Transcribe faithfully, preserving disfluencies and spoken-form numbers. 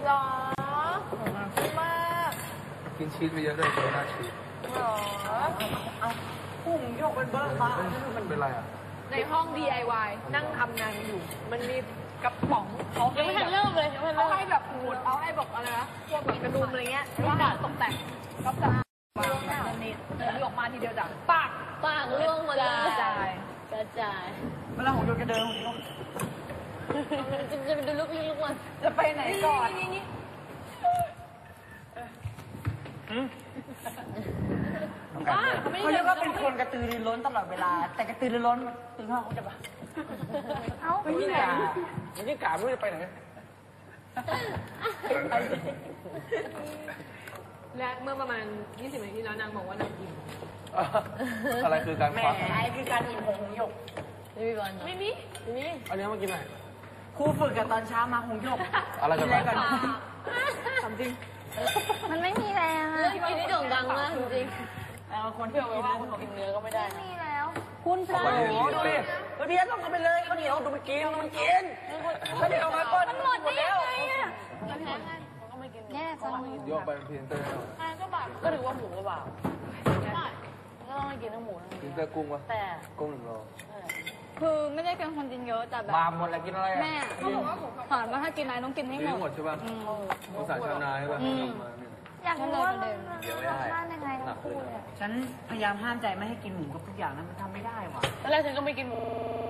หรอมากกินชีสไปเยอะด้วยเจอหน้าชีสหรอเอาพุ่งโยกเป็นเบิร์มามันเป็นไรอ่ะในห้อง ดี ไอ วาย นั่งทำงานอยู่มันมีกระป๋องเขายังไม่ทันเริ่มเลยเขาให้แบบหมุดเอาให้บอกอะไรนะพวกแบบกระดุมอะไรเงี้ยว่าตกแต่งก็จะวางแบบนี้เดินออกมาทีเดียวจ้ะปากปากล่วงหมดเลยกระจายกระจายเวลาของโยกระเดินของโยกจะจะไปดูลูกลิ้นลูกมันจะไปไหนก่อนเขาเรียกว่าเป็นคนกระตือรือร้นตลอดเวลาแต่กระตือรือร้นตื่นห้องเขาจะปะเอ้าไปที่ไหนไม่ได้กาไม่รู้จะไปไหนและเมื่อประมาณยี่สิบนาทีแล้วนางบอกว่านางอิ่มอะไรคือการควักแหมไอ้คือการอิ่มของหงหยกไม่มีบอลไม่มีไม่มีอันนี้มากินไหนครูฝึกกับตอนเช้ามาหงหยกอะไรกันก่อนทำจริงมันไม่มีแล้วเรื่องกินนี่โด่งดังมากจริงแล้วคนที่เอาไว้ว่าคนกินเนื้อก็ไม่ได้ไม่มีแล้วคุณพระโอ้ดูดิดูดิต้องเอาไปเลยเขาเหนียวดูมันกินมันกินเขาเดี๋ยวเอามาก้นมันหมดได้ยังไงอ่ะแย่จังโยกไปเป็นพรีเซนเตอร์ก็บาปก็ถือว่าหมูก็บาปได้ก็ต้องกินทั้งหมูทั้งพรีเซนเตอร์กุ้งวะแต่กุ้งหนึ่งโลคือไม่ได้เป็นคนกินเยอะแต่แบบบาหมดแล้วกินอะไรแม่เขาบอกว่าถามว่าถ้ากินอะไรต้องกินให้หมดหมดใช่ป่ะภาษาชาวนาใช่ป่ะอยากรู้ว่ามันรสชาติยังไงฉันพยายามห้ามใจไม่ให้กินหมูกับทุกอย่างนั้นมันทำไม่ได้ว่ะตอนแรกฉันก็ไม่กินหมู